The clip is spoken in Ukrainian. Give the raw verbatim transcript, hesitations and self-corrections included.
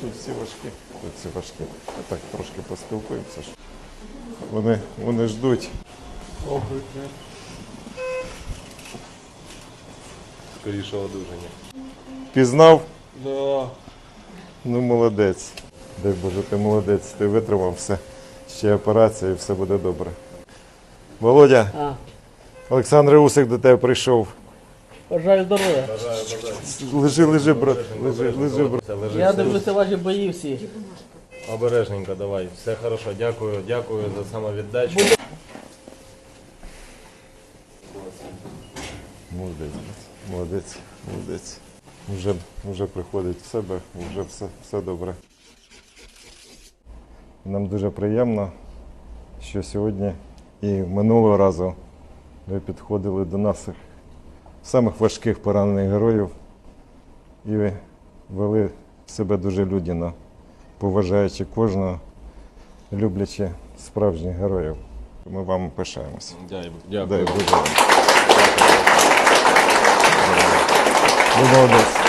тут всі важкі. Тут всі важкі. А так трошки поспілкуємося. Вони, вони ждуть. Скоріше одужання. Пізнав? Да. Ну, молодець. Дай Боже, ти молодець, ти витримав все. Ще операція і все буде добре. Володя, А, Олександр Усик до тебе прийшов. бажаю здоров'я. Лежи, лежи, брат. Лежи, лежи, брат. Все, лежи, Я все. дивлюся ваші бої всі. Обережненько, давай. Все хорошо. Дякую, дякую за самовіддачу. Молодець, брат. Молодець, молодець. Вже, вже приходить в себе, вже все, все добре. Нам дуже приємно, що сьогодні і минулого разу ви підходили до наших самих важких поранених героїв і вели себе дуже людяно, поважаючи кожного, люблячи справжніх героїв. Ми вам пишаємося. Дякую. Дай Боже вам. Ви молодець.